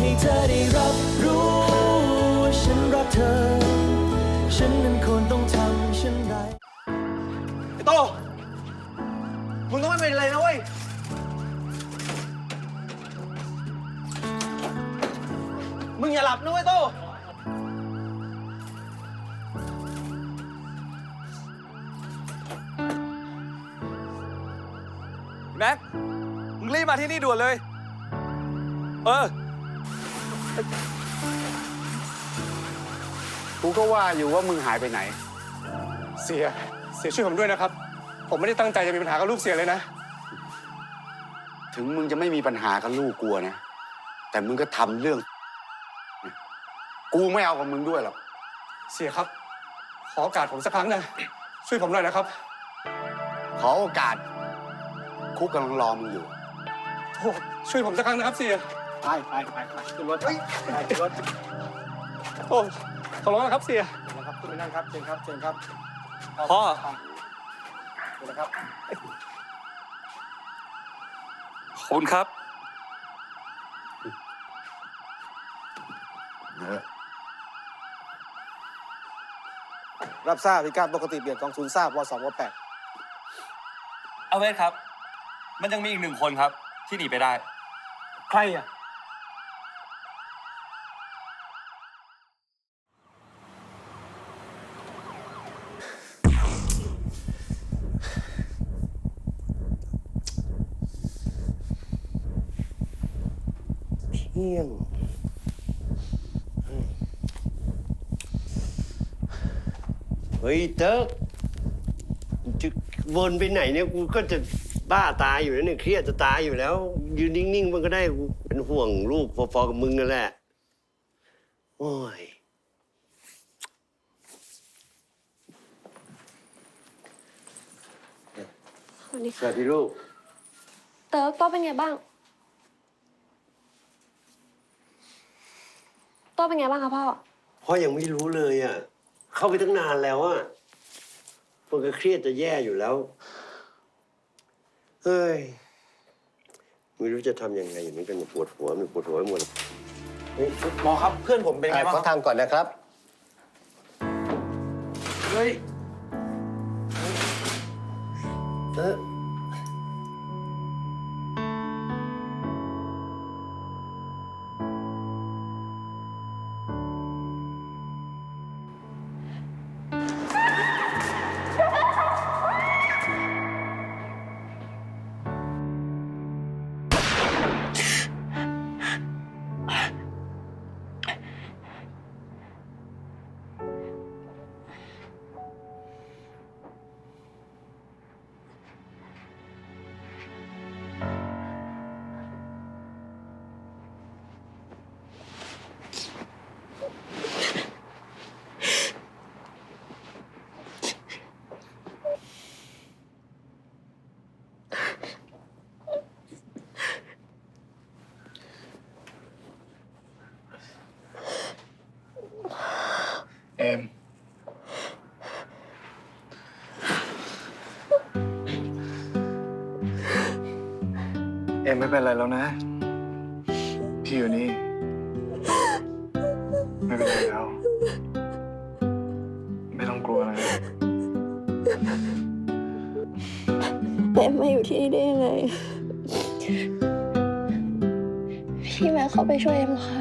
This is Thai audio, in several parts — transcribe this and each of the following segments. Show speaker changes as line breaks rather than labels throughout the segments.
ให้เธอได้รับรู้ว่าฉันรักเธอฉันนั้นควรต้องทำเช่นไรไอ้โตมึงต้องไม่เป็นไรนะเว้ยมึงอย่าหลับนะเว้ยโต
แม็กมึงรีบมาที่นี่ด่วนเลย
กูก็ว่าอยู่ว่ามึงหายไปไหน
เสียช่วยผมด้วยนะครับผมไม่ได้ตั้งใจจะมีปัญหากับลูกเสียเลยนะ
ถึงมึงจะไม่มีปัญหากับลูกกูนะแต่มึงก็ทำเรื่องกูไม่เอากับมึงด้วยหรอก
เสียครับขอโอกาสผมสักครั้งนะช่วยผมหน่อยนะครับ
ขอโอกาสคุกกำลังรอมึงอยู่
โอ้ช่วยผมสักครั้งนะครับเสีย
ไปขึ้นรถไปขึ้นรถ
โอ้ขอร้องนะครับเสีย
นะครับขึ้นไปนั่งครับเชิญครับ
พ่อ
นะครับ
ขอบคุณครับ
รับทราบพิการปกติเบียดกองทุนทราบว2ว8
เอาเวทครับมันยังมีอีก1 คนครับที่หนีไปได้
ใครอ่ะเที่ยง
เฮ้ยเติ๊กจะวนไปไหนเนี่ยกูก็จะบ้าตายอยู่แล้วเนี่ยเครียดจะตายอยู่แล้วยืนนิ่งๆมันก็ได้กูเป็นห่วงลูกพอๆกับมึงนั่นแหละโอ้ย
สวัสดี
ส
ค่ะ
วัสดีลูก
เติร์กโต้เป็นไงบ้างโต้เป็นไงบ้างคะพ่อ
พ่อยังไม่รู้เลยอ่ะเข้าไปตั้งนานแล้วอ่ะมันก็เครียดจะแย่อยู่แล้วเฮ้ยไม่รู้จะทำยังไงอย่างนี้กันปวดหัวมันปวดหัวไปหมด
หมอครับเพื่อนผมเป็นไงบ้าง
ขอทางก่อนนะครับเฮ้ย
เอมไม่เป็นไรแล้วนะพี่อยู่นี่ไม่เป็นไรแล้วไม่ต้องกลัวนะ
เอ็มมาอยู่ที่นี่ได้ยังไงพี่แม่เข้าไปช่วยเอ็มค่ะ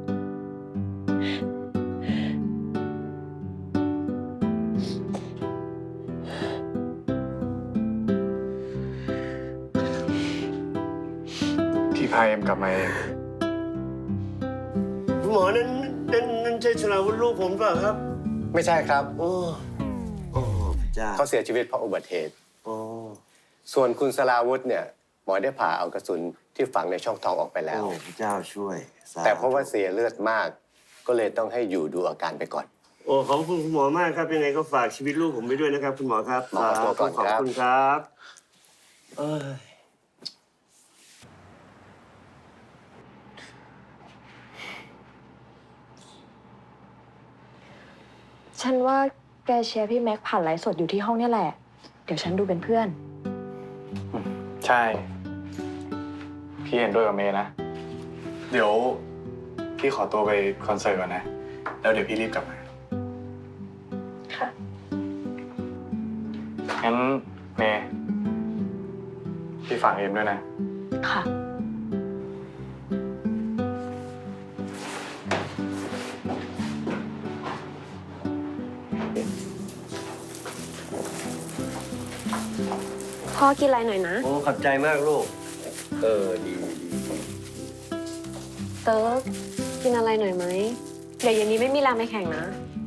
พี่พาเอ็มกลับมาเอง
คุณหมอนั้นใช่สราวุธลูกผมเปล่าครับ
ไม่ใช่ครับ
โอ้จ้า
เขาเสียชีวิตเพราะอุบัติเหตุ
โอ้
ส่วนคุณสราวุธเนี่ยหมอได้ผ่าเอากระสุนที่ฝังในช่องท้องออกไปแล้ว
พระเจ้าช่วย
แต่เพราะว่าเสียเลือดมาก ก็เลยต้องให้อยู่ดูอาการไปก่อน
โอ้ขอบคุณคุณหมอมากครับยังไงก็ฝากชีวิตลูกผมไปด้วยนะครับคุณหมอครับ
หมอขอตัวก่อนครับ
ขอบคุณครับ
ฉันว่าแกเชียร์พี่แม็กผ่านไลฟ์สดอยู่ที่ห้องนี่แหละเดี๋ยวฉันดูเป็นเพื่อน
ใช่พี่เห็นด้วยกับเมย์นะเดี๋ยว
พี่ขอตัวไปคอนเสิร์ตก่อนนะ แล้วเดี๋ยวพี่รีบกลับมา
ค่ะ
งั้นเมย์พี่ฝากเอ็มด้วยนะ
ค่ะ
พ่อกินอะไรหน่อยนะ
โอ้ขอบใจมากลูก ดี
เติร์กกินอะไรหน่อยไหม เดี๋ยวเย็นนี้ไม่มีแรงไปแข่งนะ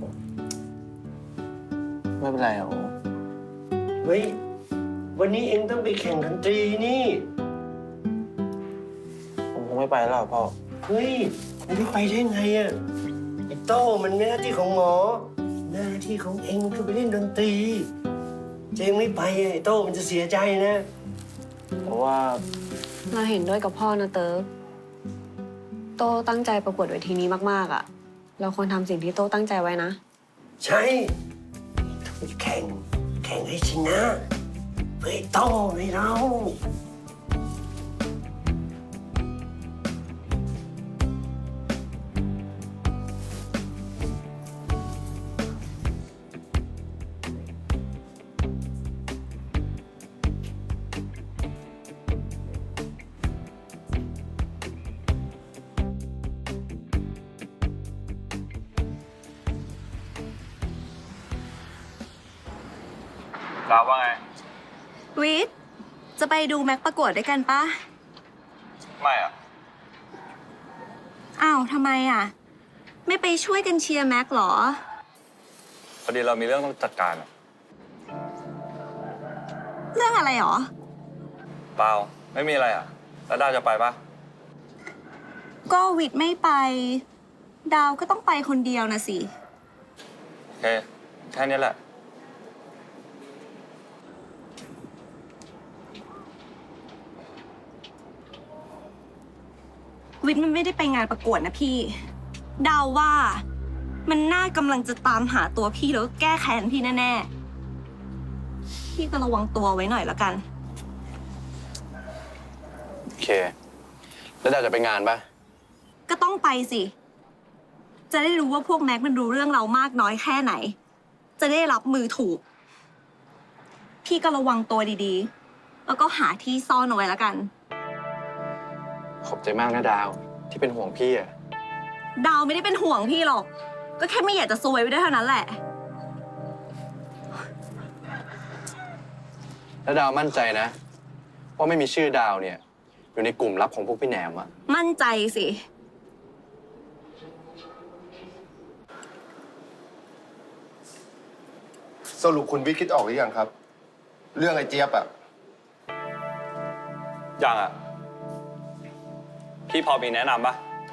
ไม่เป็นไรโอ้
เฮ้ย วันนี้เองต้องไปแข่งดนตรีนี่
ผมคงไม่ไปแล้วพ่อ
เฮ้ยมันไม่ไปได้ไงอะไอ้โต้มันไม่หน้าที่ของหมอ หน้าที่ของเองคือไปเล่นดนตรีเองไม่ไปอะไอ้โต้มันจะเสียใจนะ
เพราะว่า
เราเห็นด้วยกับพ่อนะเติร์กโตตั้งใจประกวดเวทีนี้มากๆอ่ะ เราควรทำสิ่งที่โตตั้งใจไว้นะ
ใช่ต้องแข่งให้ชนะเพื่อไอ้โต้ให้เรา
ดาวว่าไง
วิทย์จะไปดูแม็กประกวดด้วยกันปะ
ไม่อะ
อ้าวทำไมอ่ะ ไม่ไปช่วยกันเชียร์แม็กเหรอ
พอดีเรามีเรื่องต้องจัดการอะ
เรื่องอะไรหรอ
เปล่า ไม่มีอะไรอะแล้วดาวจะไปปะ
ก็วิทย์ไม่ไป ดาวก็ต้องไปคนเดียวนะสิ
โอเค แค่นี้แหละ
วิทย์มันไม่ได้ไปงานประกวดนะพี่ ดาวว่ามันน่ากำลังจะตามหาตัวพี่แล้วก็แก้แค้นพี่แน่ๆ พี่ก็ระวังตัวไว้หน่อยละกัน
โอเค แล้วดาวจะไปงานปะ
ก็ต้องไปสิ จะได้รู้ว่าพวกแม็กมันรู้เรื่องเรามากน้อยแค่ไหน จะได้รับมือถูก พี่ก็ระวังตัวดีๆ แล้วก็หาที่ซ่อนเอาไว้ละกัน
ขอบใจมากนะดาวที่เป็นห่วงพี่อะ
ดาวไม่ได้เป็นห่วงพี่หรอก ก็แค่ไม่อยากจะซวยไปด้วยเท่านั้นแหละ
แล้วดาวมั่นใจนะว่าไม่มีชื่อดาวเนี่ย อยู่ในกลุ่มลับของพวกพี่แหนมอะ
มั่นใจสิ
สรุปคุณวิทย์คิดออกหรือยังครับ เรื่องไอ้เจี๊ยบอะ
ยังอะพี่พอมีแนะนำปะ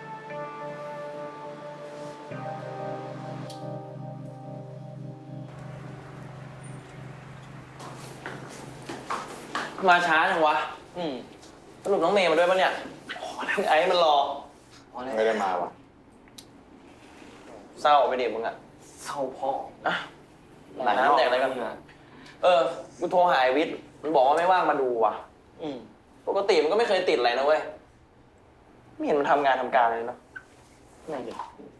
มาช้าจังวะสรุปน้องเมย์มาด้วยปะเนี่ยไอ้มันรอ
ไม่ได้มาวะ
เศร้าไปเด็กมึงอะเศร้าพ่ออะหลายน้ำแดกอะไรกันกูโทรหาไอ้วิทย์มันบอกว่าไม่ว่างมาดูว่ะปกติมันก็ไม่เคยติดอะไรนะเว้ย ไม่เห็นมันทำงานทำการเลยเนาะนั่นดิ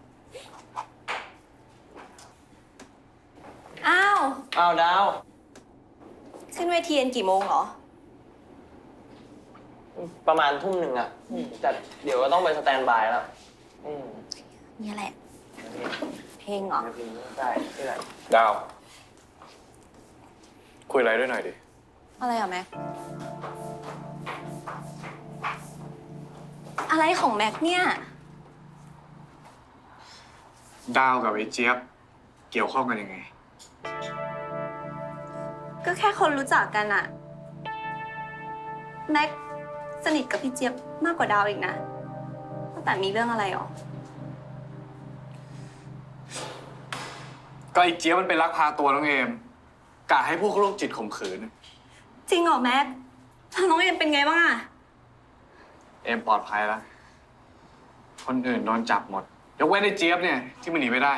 อ้าว
อ้าวดาว
ขึ้นเวทีกันกี่โมงเหรอ
ประมาณทุ่มหนึ่งอะแต่เดี๋ยวก็ต้องไปสแตนด์บายแล้ว
นี่แหละ เพลงเหรอ
ใช่ที่ไหน
ดาว คุยอะไรด้วยหน่อยดิ
อะไรเหรอแม็ก อะไรของแม็กเนี่ย
ดาวกับไอ้เจี๊ยบเกี่ยวข้องกันยังไง
ก็แค่คนรู้จักกันอะแม็กสนิทกับพี่เจี๊ยบมากกว่าดาวอีกนะแต่มีเรื่องอะไรหรอ
ก็ไอ้เจี๊ยบมันไปลักพาตัวน้องเอมกะให้พวกโรคจิตข่มขืน
จริงเหรอแม็กน้องเอ็มเป็นไงบ้างอะ
เอมปลอดภัยแล้ว คนอื่นโดนจับหมด ยกเว้นไอ้เจี๊ยบเนี่ยที่มันหนีไม่ได้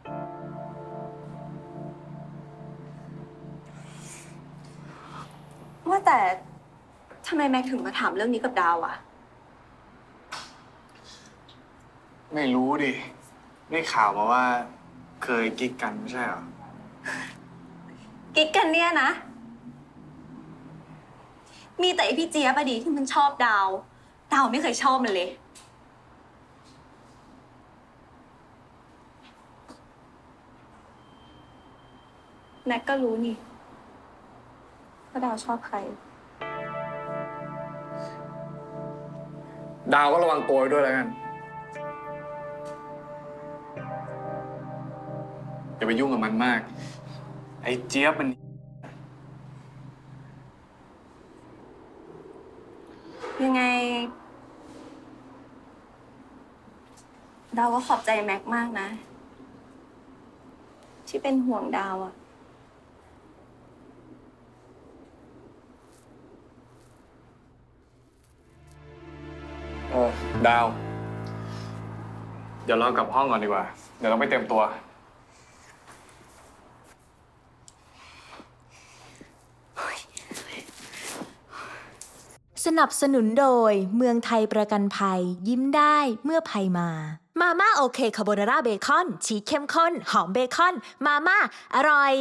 ว่าแต่ทำไมแม็กถึงมาถามเรื่องนี้กับดาวอะ
ไม่รู้ดิ ได้ข่าวมาว่าเคยกิ๊กกันไม่ใช่เหรอ
กิ๊กกันเนี่ยนะ มีแต่ไอพี่เจี๊ยบอะดีที่มันชอบดาว ดาวไม่เคยชอบมันเลย แน็กก็รู้นี่ว่าดาวชอบใคร
ดาวก็ระวังตัวไว้ด้วยแล้วกันอย่าไปยุ่งกับมันมาก ไอ้เจี๊ยบมัน
ยังไง ดาวก็ขอบใจแม็กมากนะ ที่เป็นห่วงดาวอะ
ดาว เดี๋ยวเรากลับห้องก่อนดีกว่า เดี๋ยวเราไปเตรียมตัว
สนับสนุนโดยเมืองไทยประกันภัยยิ้มได้เมื่อภัยมา มาม่าโอเคคาโบนาร่าเบคอนชีสเข้มข้นหอมเบคอน มาม่าอร่อย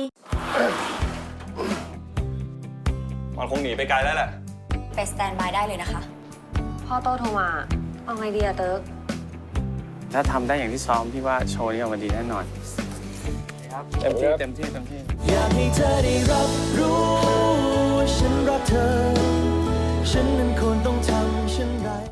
มันคงหนีไปไกลแล้วแหละ
ไปสแตนบายได้เลยนะคะ
พ่อโตโทรมา เอาไงดีอะเติร์ก
ถ้าทำได้อย่างที่ซ้อมพี่ว่าโชว์นี้ออกมาดีแน่นอนเต็มที่เต็มที่เต็มที่
อยากให้เธอได้รับรู้ว่าฉันรักเธอ ฉันนั้นควรต้องทำเช่นไร